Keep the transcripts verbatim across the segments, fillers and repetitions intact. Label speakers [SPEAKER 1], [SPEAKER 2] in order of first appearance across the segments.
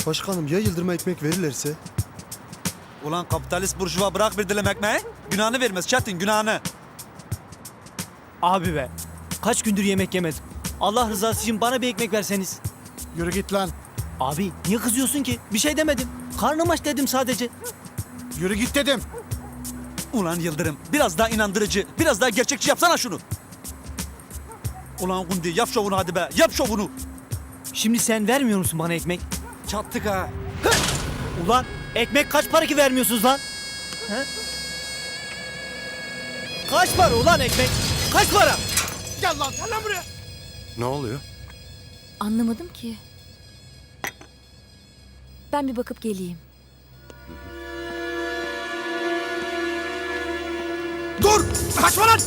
[SPEAKER 1] Başkanım ya Yıldırım'a ekmek verirlerse?
[SPEAKER 2] Ulan kapitalist burjuva bırak bir dilim ekmeği. Günahını vermez Çetin, günahını.
[SPEAKER 3] Abi be. Kaç gündür yemek yemedim. Allah rızası için bana bir ekmek verseniz.
[SPEAKER 4] Yürü git lan.
[SPEAKER 3] Abi niye kızıyorsun ki? Bir şey demedim. Karnım aç dedim sadece.
[SPEAKER 4] Yürü git dedim.
[SPEAKER 2] Ulan Yıldırım, biraz daha inandırıcı, biraz daha gerçekçi yapsana şunu. Ulan Gundi, yap şovunu hadi be, yap şovunu.
[SPEAKER 3] Şimdi sen vermiyor musun bana ekmek?
[SPEAKER 2] Çattık ha.
[SPEAKER 3] Ulan ekmek kaç para ki vermiyorsunuz lan? He? Kaç para ulan ekmek? Kaç para?
[SPEAKER 4] Gel lan gel lan buraya.
[SPEAKER 5] Ne oluyor?
[SPEAKER 6] Anlamadım ki. Ben bir bakıp geleyim.
[SPEAKER 4] Dur! Kaçma lan!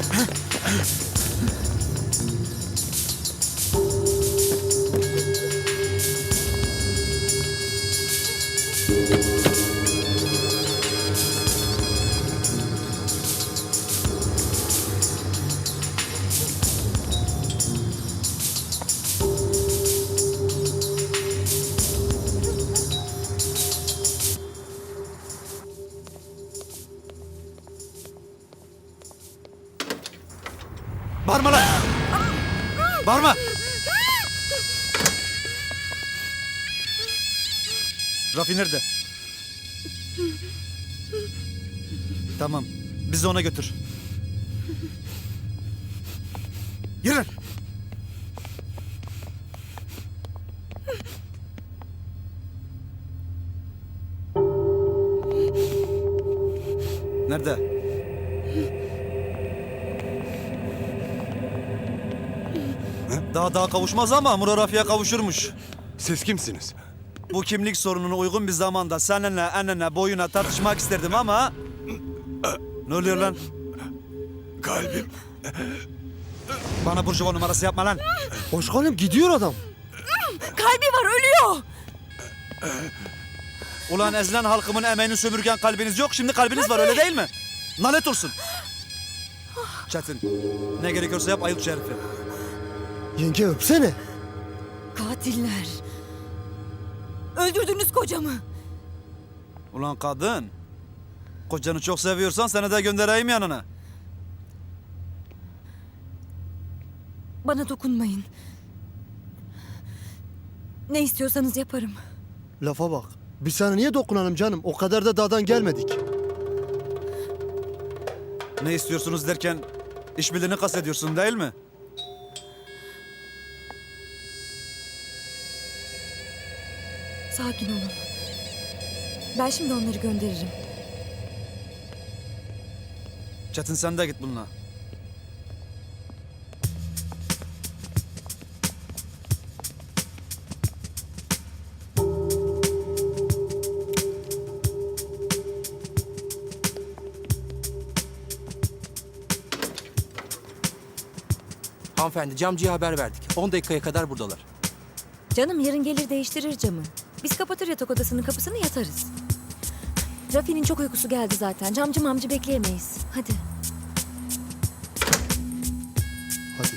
[SPEAKER 2] Bağırma lan. Bağırma. Rafi nerede? Tamam, bizi ona götür.
[SPEAKER 4] Yürü!
[SPEAKER 2] Nerede? Daha daha kavuşmaz ama Murat Rafi'ye kavuşurmuş.
[SPEAKER 5] Siz kimsiniz?
[SPEAKER 2] Bu kimlik sorununa uygun bir zamanda seninle enine boyuna tartışmak isterdim ama... Ne oluyor lan?
[SPEAKER 5] Kalbim.
[SPEAKER 2] Bana burjuva numarası yapma lan.
[SPEAKER 1] Başkanım gidiyor adam.
[SPEAKER 6] Kalbi var, ölüyor.
[SPEAKER 2] Ulan ezilen halkımın emeğini sömürgen kalbiniz yok, şimdi kalbiniz var öyle değil mi? Nalet olsun. Çetin, ne gerekiyorsa yap, ayık şu herifi.
[SPEAKER 1] Yenge öpsene.
[SPEAKER 6] Katiller. Öldürdünüz kocamı.
[SPEAKER 2] Ulan kadın, kocanı çok seviyorsan seni de göndereyim yanına.
[SPEAKER 6] Bana dokunmayın. Ne istiyorsanız yaparım.
[SPEAKER 1] Lafa bak. Biz sana niye dokunalım canım? O kadar da dağdan gelmedik.
[SPEAKER 2] Ne istiyorsunuz derken işbirliğini kastediyorsun değil mi?
[SPEAKER 6] Sakin olun. Ben şimdi onları gönderirim.
[SPEAKER 2] Çetin sen de git bununla.
[SPEAKER 7] Hanımefendi camcıya haber verdik. on dakikaya kadar buradalar.
[SPEAKER 6] Canım yarın gelir değiştirir camı. Biz kapatır yatak odasının kapısını yatarız. Rafi'nin çok uykusu geldi zaten. Camcı mamcı bekleyemeyiz. Hadi.
[SPEAKER 1] Hadi.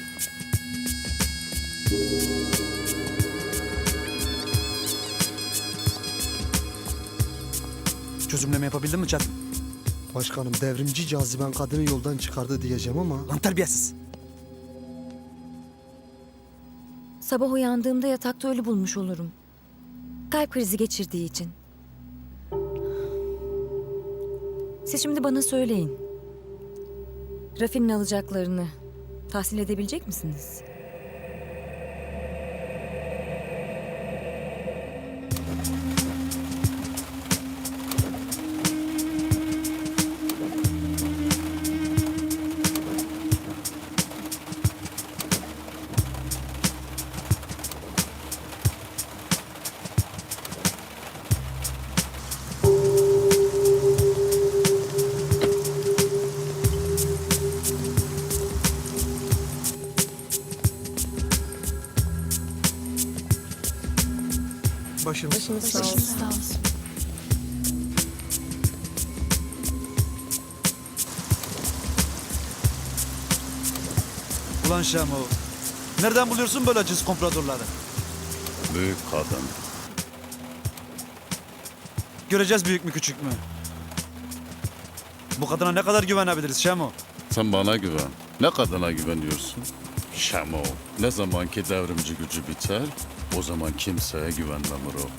[SPEAKER 2] Çözümleme yapabildin mi Çetin?
[SPEAKER 1] Başkanım devrimci caziben kadını yoldan çıkardı diyeceğim ama...
[SPEAKER 2] Lan terbiyesiz.
[SPEAKER 6] Sabah uyandığımda yatakta ölü bulmuş olurum. Kalp krizi geçirdiği için. Siz şimdi bana söyleyin. Rafi'nin alacaklarını tahsil edebilecek misiniz?
[SPEAKER 4] Başınız sağ olsun.
[SPEAKER 6] Sağ olsun.
[SPEAKER 2] Ulan Şamo, nereden buluyorsun böyle cins kompradorları?
[SPEAKER 5] Büyük kadın.
[SPEAKER 2] Göreceğiz büyük mü küçük mü? Bu kadına ne kadar güvenebiliriz Şemo?
[SPEAKER 8] Sen bana güven. Ne kadına güveniyorsun? Şamo. Ne zamanki devrimci gücü biter, o zaman kimseye güvenmem o.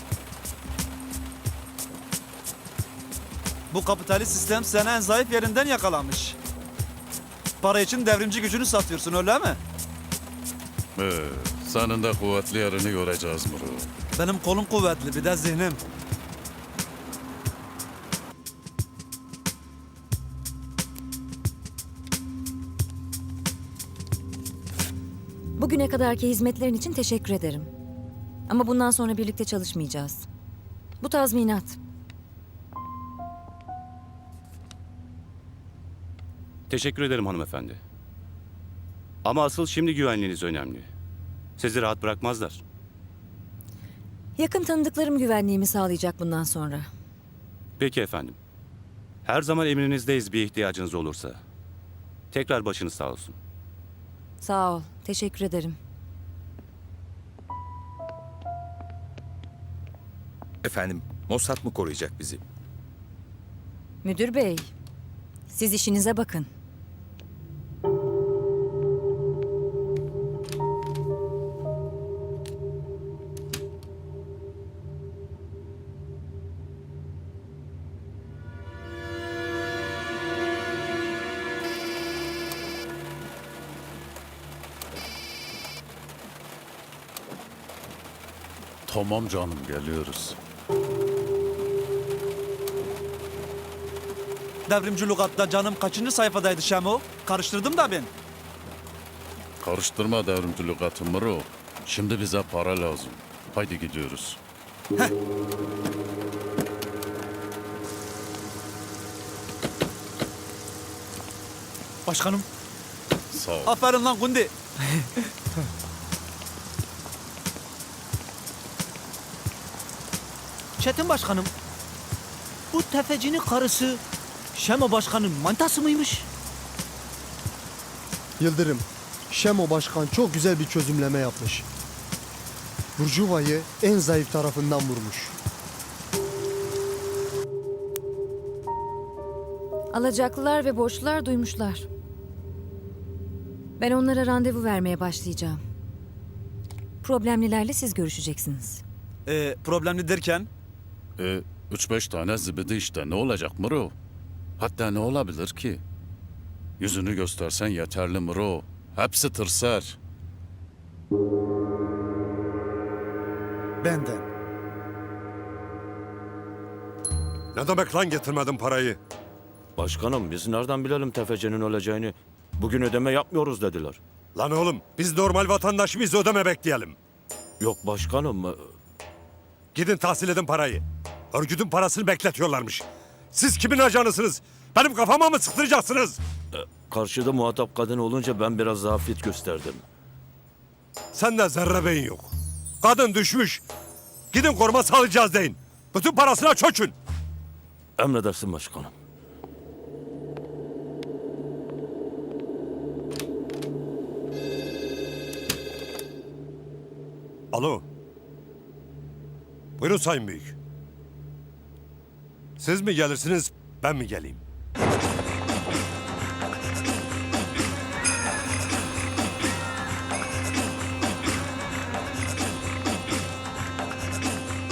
[SPEAKER 2] Bu kapitalist sistem seni en zayıf yerinden yakalamış. Para için devrimci gücünü satıyorsun öyle mi?
[SPEAKER 8] Ee, senin de kuvvetli yerini göreceğiz Muro.
[SPEAKER 2] Benim kolum kuvvetli bir de zihnim.
[SPEAKER 6] Bugüne kadarki hizmetlerin için teşekkür ederim. Ama bundan sonra birlikte çalışmayacağız. Bu tazminat.
[SPEAKER 9] Teşekkür ederim hanımefendi. Ama asıl şimdi güvenliğiniz önemli. Sizi rahat bırakmazlar.
[SPEAKER 6] Yakın tanıdıklarım güvenliğimi sağlayacak bundan sonra.
[SPEAKER 9] Peki efendim. Her zaman emrinizdeyiz bir ihtiyacınız olursa. Tekrar başınız sağ olsun.
[SPEAKER 6] Sağ ol. Teşekkür ederim.
[SPEAKER 10] Efendim, Mossad mı koruyacak bizi?
[SPEAKER 6] Müdür bey, siz işinize bakın.
[SPEAKER 8] Tamam canım, geliyoruz.
[SPEAKER 2] Devrimci lügatta canım kaçıncı sayfadaydı Şemo? Karıştırdım da ben.
[SPEAKER 8] Karıştırma devrimci lügatı Muro. Şimdi bize para lazım. Haydi gidiyoruz.
[SPEAKER 3] Başkanım.
[SPEAKER 8] Sağ ol.
[SPEAKER 2] Aferin lan Gundi.
[SPEAKER 3] Çetin başkanım. Bu tefecinin karısı Şemo başkanın mantası mıymış?
[SPEAKER 1] Yıldırım, Şemo Başkan çok güzel bir çözümleme yapmış. Burjuvayı en zayıf tarafından vurmuş.
[SPEAKER 6] Alacaklılar ve borçlular duymuşlar. Ben onlara randevu vermeye başlayacağım. Problemlilerle siz görüşeceksiniz.
[SPEAKER 2] Ee, problemli derken?
[SPEAKER 8] E, üç beş tane zibidi işte, ne olacak Muro? Hatta ne olabilir ki? Yüzünü göstersen yeterli Muro. Hepsi tırsar.
[SPEAKER 2] Benden.
[SPEAKER 5] Ne demek lan getirmedin parayı?
[SPEAKER 11] Başkanım biz nereden bilelim tefecinin öleceğini? Bugün ödeme yapmıyoruz dediler.
[SPEAKER 5] Lan oğlum biz normal vatandaş mıyız, ödeme bekleyelim.
[SPEAKER 11] Yok başkanım. e,
[SPEAKER 5] Gidin tahsil edin parayı. Örgütün parasını bekletiyorlarmış. Siz kimin ajanısınız? Benim kafama mı sıktıracaksınız?
[SPEAKER 11] Karşıda muhatap kadın olunca ben biraz zafiyet gösterdim.
[SPEAKER 5] Sende zerre beyin yok. Kadın düşmüş. Gidin koruma sağlayacağız deyin. Bütün parasına çökün.
[SPEAKER 11] Emredersin başkanım.
[SPEAKER 5] Alo. Buyurun Sayın Büyük. Siz mi gelirsiniz, ben mi geleyim?